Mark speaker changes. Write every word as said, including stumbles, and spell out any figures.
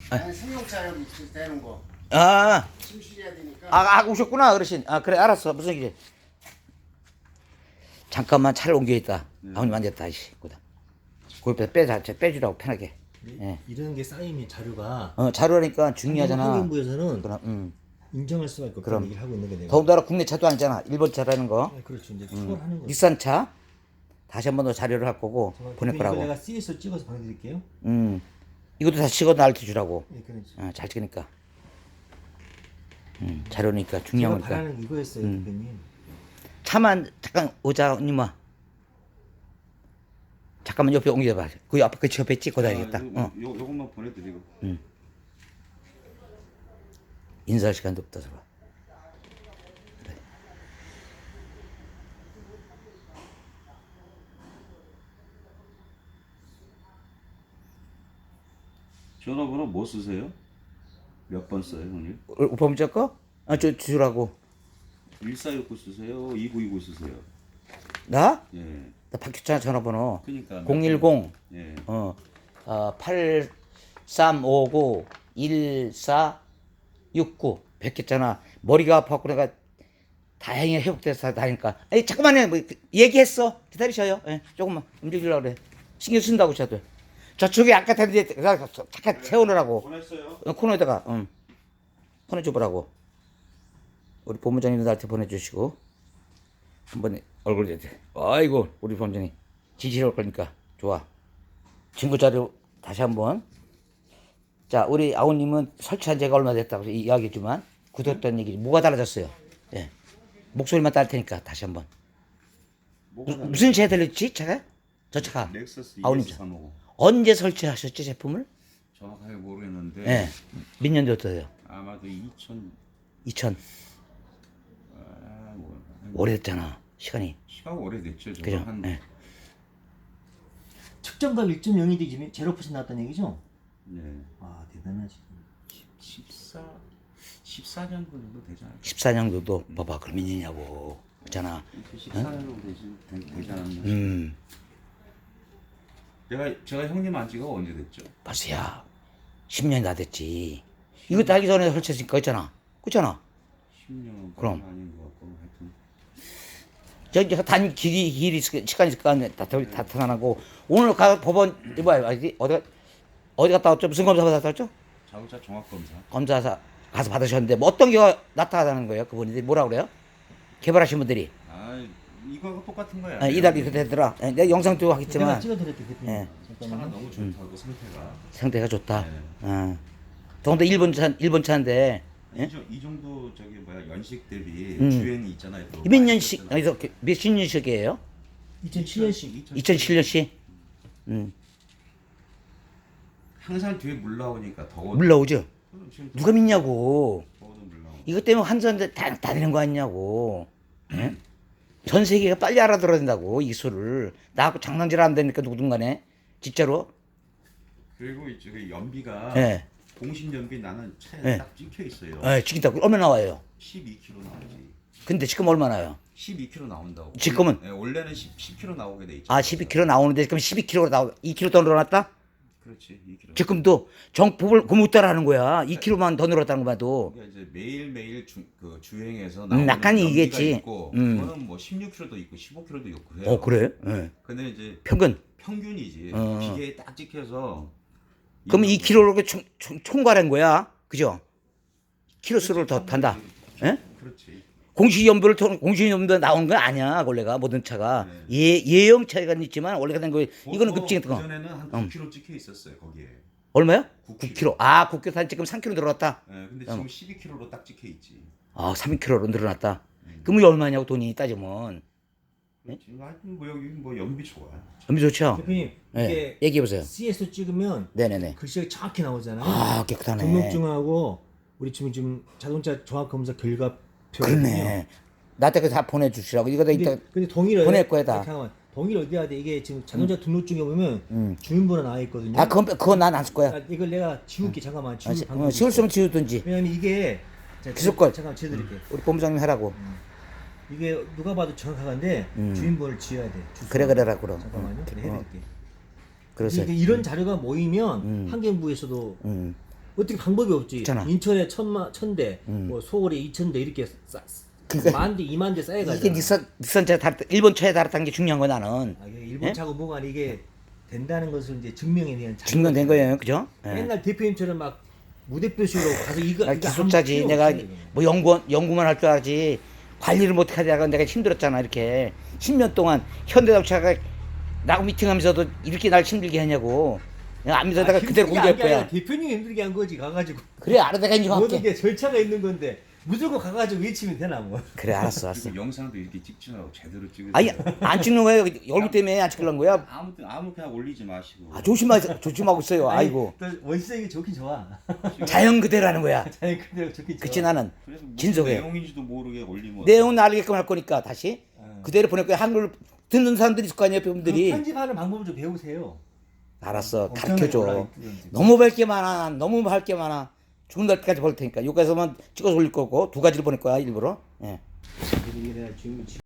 Speaker 1: 아니 승용차를 대는 거
Speaker 2: 아,
Speaker 1: 침실해야 되니까.
Speaker 2: 아, 아 오셨구나 어르신. 아 그래 알았어. 무슨 일이? 잠깐만 차를 옮겨 있다. 아버님 앉았다. 이씨, 거기다. 거기다 빼자, 빼주라고 편하게. 예.
Speaker 3: 이런 게 쌓이면 자료가
Speaker 2: 어, 자료라니까 중요하잖아.
Speaker 3: 환경부에서는
Speaker 2: 그럼, 음.
Speaker 3: 인정할 수가 있고
Speaker 2: 그럼.
Speaker 3: 그런 얘기를 하고 있는 게 내가.
Speaker 2: 더군다나 국내 차도 아니잖아. 일본 차라는 거.
Speaker 3: 네, 그렇죠. 이제 투어하는 거.
Speaker 2: 닛산 차. 다시 한 번 더 자료를 할 거고 보낼
Speaker 3: 이걸
Speaker 2: 거라고.
Speaker 3: 내가 씨에스로 찍어서 보내드릴게요.
Speaker 2: 음. 이것도 다 찍어 나한테 주라고.
Speaker 3: 네, 그렇죠.
Speaker 2: 어, 잘 찍으니까. 음, 자료니까
Speaker 3: 제가
Speaker 2: 중요한 거니까.
Speaker 3: 바라는 게 이거였어요,
Speaker 2: 음.
Speaker 3: 대표님.
Speaker 2: 차만 잠깐 오자 님아. 잠깐만 옆에 옮겨봐. 그 앞에 그 옆에 찍고 다니겠다.
Speaker 4: 아, 요,
Speaker 2: 어.
Speaker 4: 요, 요것만 보내드리고.
Speaker 2: 인사할 시간도 없다 저거. 그래.
Speaker 4: 전화번호 뭐 쓰세요? 몇 번 써요, 형님?
Speaker 2: 오빠 문자 거? 아, 저 주라고.
Speaker 4: 일사육구 쓰세요? 이구이구 쓰세요?
Speaker 2: 나?
Speaker 4: 예.
Speaker 2: 나 바뀌었잖아 전화번호.
Speaker 4: 그러니까
Speaker 2: 공일공
Speaker 4: 예.
Speaker 2: 어, 어 팔삼오구 일사육구 바뀌었잖아. 머리가 아파갖고 내가 다행히 회복돼서 다니까. 아니 잠깐만요. 뭐, 얘기했어. 기다리셔요. 예, 조금만 움직이려고 그래. 신경 쓴다고 저도. 저쪽에 아까 했는데 잠깐 세우느라고.
Speaker 4: 보냈어요?
Speaker 2: 어, 코너에다가 응. 보내줘보라고. 우리 본부장님도 나한테 보내주시고 한번 얼굴 대대. 아이고 우리 본부장님 지지할 거니까 좋아. 증거 자료 다시 한번. 자 우리 아우님은 설치한 지가 얼마 됐다고 이야기했지만 굳었던 얘기 뭐가 달라졌어요? 예. 목소리만 따를 테니까 다시 한번.
Speaker 4: 뭐가
Speaker 2: 무, 무슨 차에 들렸지 차가? 저 차가
Speaker 4: 렉서스
Speaker 2: 아우님 차.
Speaker 4: 이에스삼오공.
Speaker 2: 언제 설치하셨지 제품을?
Speaker 4: 정확하게 모르겠는데
Speaker 2: 예. 몇 년도였어요?
Speaker 4: 아마도 이천
Speaker 2: 이천.
Speaker 4: 아, 뭐,
Speaker 2: 오래됐잖아 시간이.
Speaker 4: 시간 오래됐죠. 저거
Speaker 2: 그죠?
Speaker 4: 한
Speaker 2: 예.
Speaker 3: 측정값 일 점 영이 되지 제로 퍼센트 나왔다는 얘기죠?
Speaker 4: 예.
Speaker 3: 아, 대단하시.
Speaker 4: 십사 십사 년 정도 되잖아요.
Speaker 2: 십사 년도도 봐봐 그럼 몇 년이냐고 그렇잖아.
Speaker 4: 십사 년 정도 되지 되- 되지 않았나?
Speaker 2: 음
Speaker 4: 제가 제가 형님 안 지가 언제 됐죠?
Speaker 2: 벌써야 십 년이 다 됐지. 이거 하기 전에 설치했으니까 있잖아. 그렇잖아.
Speaker 4: 십 년
Speaker 2: 그럼.
Speaker 4: 아닌 것 같고 하여튼
Speaker 2: 저기 단 길이 길이 있을- 시간이 있을 거 아니야. 다, 다, 다 터나고 오늘 가 법원 이봐요 어디 어디 어디 갔다 왔죠? 무슨 검사 받았다 왔죠?
Speaker 4: 자동차 종합 검사.
Speaker 2: 검사사 가서 받으셨는데 뭐 어떤 게 나타나는 거예요? 그분이 뭐라 그래요? 개발하신 분들이
Speaker 4: 아 이거하고 똑같은 거야.
Speaker 2: 아, 이달 이렇게 되더라. 예, 내가 영상도
Speaker 3: 내가
Speaker 2: 하겠지만
Speaker 3: 찍어드릴게 대표님.
Speaker 2: 예.
Speaker 4: 차가
Speaker 3: 잠깐만요.
Speaker 4: 너무 좋다고 상태가.
Speaker 2: 상태가 좋다.
Speaker 4: 네.
Speaker 2: 어. 더군다 일본 차 일본 차인데 예?
Speaker 4: 이, 정- 이 정도 저기 뭐야 연식 대비
Speaker 2: 음.
Speaker 4: 주행이 있잖아요. 또
Speaker 2: 몇
Speaker 4: 많이
Speaker 2: 년씩
Speaker 4: 있었잖아요.
Speaker 2: 여기서 몇십 년씩이에요?
Speaker 3: 이천칠 년식.
Speaker 2: 이천칠 년씩. 음.
Speaker 4: 항상 뒤에 물 나오니까 더워.
Speaker 2: 물 나오죠?
Speaker 4: 지금
Speaker 2: 누가 믿냐고.
Speaker 4: 더워도 물 나오고.
Speaker 2: 이것 때문에 한전데 다, 다 되는 거 아니냐고. 예? 전 세계가 빨리 알아들어야 된다고, 이 수를. 나하고 장난질 안 되니까 누구든간에. 진짜로.
Speaker 4: 그리고 이제 그 연비가
Speaker 2: 예.
Speaker 4: 공신 연비 나는 차에
Speaker 2: 네.
Speaker 4: 딱 찍혀 있어요.
Speaker 2: 예, 지금 얼마 나와요?
Speaker 4: 십이 킬로미터 나오지.
Speaker 2: 근데 지금 얼마 나요?
Speaker 4: 십이 킬로미터 나온다고.
Speaker 2: 지금은?
Speaker 4: 예, 원래는 십, 십 킬로미터 나오게 돼 있잖아.
Speaker 2: 아, 십이 킬로미터 나오는데 지금 십이 킬로미터 나오, 이 킬로미터 더 늘어났다?
Speaker 4: 그렇지. 이 킬로미터.
Speaker 2: 지금도 정법을 그못 따라하는 거야. 이 킬로미터만 더 늘었다는 거 봐도.
Speaker 4: 그러니까 이제 매일 매일 주, 그 주행해서
Speaker 2: 음,
Speaker 4: 나오는
Speaker 2: 약간
Speaker 4: 연비가
Speaker 2: 이겠지.
Speaker 4: 있고,
Speaker 2: 음.
Speaker 4: 그거는 뭐 십육 킬로미터도 있고 십오 킬로미터도 있고 그래요.
Speaker 2: 어, 그래? 예.
Speaker 4: 근데 이제
Speaker 2: 평균.
Speaker 4: 평균이지.
Speaker 2: 어.
Speaker 4: 기계에 딱 찍혀서.
Speaker 2: 그럼 이
Speaker 4: 이거-
Speaker 2: 킬로미터로 총, 총, 총괄한 거야. 그죠? 킬로수를 더 탄다. 예?
Speaker 4: 그렇지.
Speaker 2: 공시 연도를 통 공시 연도 나오는 건 아니야. 원래가 모든 차가 예 예형 차이가 있지만 원래가 된 거 이거는 급증했던 거.
Speaker 4: 그 전에는 한
Speaker 2: 음.
Speaker 4: 구 킬로미터 찍혀 있었어요 거기에.
Speaker 2: 얼마요?
Speaker 4: 구
Speaker 2: 구 킬로미터. 아, 구 킬로미터 한 지금 삼 킬로미터 늘어났다.
Speaker 4: 예, 근데 지금 십이 킬로미터로 딱 찍혀 있지.
Speaker 2: 아, 삼 킬로미터로 늘어났다. 그럼 이게 얼마냐고 돈이 따지면.
Speaker 4: 그렇지. 하여튼 뭐 여기 뭐 연비 좋아.
Speaker 2: 연비 좋죠?
Speaker 3: 대표님
Speaker 2: 예.
Speaker 3: 이게
Speaker 2: 얘기해 보세요.
Speaker 3: 씨에스로 찍으면
Speaker 2: 네네네.
Speaker 3: 글씨가 정확히 나오잖아요.
Speaker 2: 아, 깨끗하네.
Speaker 3: 등록증하고 우리 지금 지금 자동차 종합 검사 결과표.
Speaker 2: 그러네. 나한테 다 보내주시라고. 이거 다 이따
Speaker 3: 근데, 근데 동의를
Speaker 2: 보낼
Speaker 3: 어디다-
Speaker 2: 거야, 다.
Speaker 3: 잠깐만. 동의를 어디야 돼? 이게 지금 자동차 등록증에 보면 주민번호 나와 있거든요.
Speaker 2: 아, 그건 그건 난 안 쓸 거야.
Speaker 3: 아, 이걸 내가 지울게 잠깐만.
Speaker 2: 아,
Speaker 3: 지울
Speaker 2: 시-
Speaker 3: 방법이
Speaker 2: 어, 지울
Speaker 3: 있어.
Speaker 2: 수면 지우든지.
Speaker 3: 왜냐면 이게 자,
Speaker 2: 기술 걸.
Speaker 3: 잠깐 지워드릴게.
Speaker 2: 우리 본부장님 하라고.
Speaker 3: 이게 누가 봐도 정확한데 주민번호를 지어야 돼. 주소.
Speaker 2: 음. 그래 그래라 그럼.
Speaker 3: 잠깐만요.
Speaker 2: 어,
Speaker 3: 네,
Speaker 2: 어,
Speaker 3: 해드릴게.
Speaker 2: 그래서
Speaker 3: 이게 이런 자료가 모이면 환경부에서도
Speaker 2: 음.
Speaker 3: 어떻게 방법이 없지.
Speaker 2: 있잖아.
Speaker 3: 인천에 천마 천대, 뭐 서울에 이천 대 이렇게 쌓,
Speaker 2: 그러니까
Speaker 3: 만 대, 이만 대 쌓여가지고.
Speaker 2: 이게 닛산 닛산 차에 달았다. 일본 차에 달았다는 게 중요한 거야 나는.
Speaker 3: 아, 이게 일본
Speaker 2: 예?
Speaker 3: 차고 뭐가 이게 된다는 것을 이제 증명해 내는 자료가
Speaker 2: 증명된 거예요, 그죠? 예.
Speaker 3: 맨날 대표님처럼 막 무대표식으로 가서 이거
Speaker 2: 나
Speaker 3: 이거
Speaker 2: 기술자지.
Speaker 3: 아무 필요
Speaker 2: 내가
Speaker 3: 없어요, 이거.
Speaker 2: 뭐 연구 연구만 할 줄 알지 관리를 못 하다가 내가 힘들었잖아 이렇게 십 년 동안 현대자동차가 나하고 미팅하면서도 이렇게 날 힘들게 하냐고. 내가 안 믿어다가
Speaker 3: 아,
Speaker 2: 그대로
Speaker 3: 힘들게
Speaker 2: 공개할
Speaker 3: 한게 아니라
Speaker 2: 거야.
Speaker 3: 대표님이 힘들게 한 거지 가가지고.
Speaker 2: 그래 알아 내가
Speaker 3: 모든
Speaker 2: 인정할게.
Speaker 3: 게 절차가 있는 건데 무조건 가가지고 외치면 되나 뭐.
Speaker 2: 그래 알았어 알았어.
Speaker 4: 그리고 영상도 이렇게 찍지 말고 제대로 찍으세요.
Speaker 2: 아니 안 찍는 거예요. 얼굴 때문에 안 찍으려는 거야.
Speaker 4: 아무 아무 그냥 올리지 마시고.
Speaker 2: 아, 조심하 조심하고 있어요.
Speaker 3: 아니,
Speaker 2: 아이고
Speaker 3: 또 원시적이 좋긴 좋아.
Speaker 2: 자연 그대로 하는 거야.
Speaker 3: 자연 그대로 좋긴 좋아.
Speaker 2: 그치 나는
Speaker 4: 그래서 무슨
Speaker 2: 진솔해.
Speaker 4: 내용인지도 모르게 올리면
Speaker 2: 내용은 알게끔 할 거니까 다시
Speaker 3: 어.
Speaker 2: 그대로 보낼 거야. 한글 듣는 사람들이 있을 거 아니에요,
Speaker 3: 그
Speaker 2: 분들이.
Speaker 3: 편집하는 방법을 좀 배우세요.
Speaker 2: 알았어,
Speaker 3: 엄청나게
Speaker 2: 가르쳐줘.
Speaker 3: 올라있던지.
Speaker 2: 너무 할 게 많아, 너무 할 게 많아. 죽은 날까지 볼 테니까 여기서만 찍어서 올릴 거고 두 가지를 보낼 거야 일부러. 예.
Speaker 3: 이게 내가 지금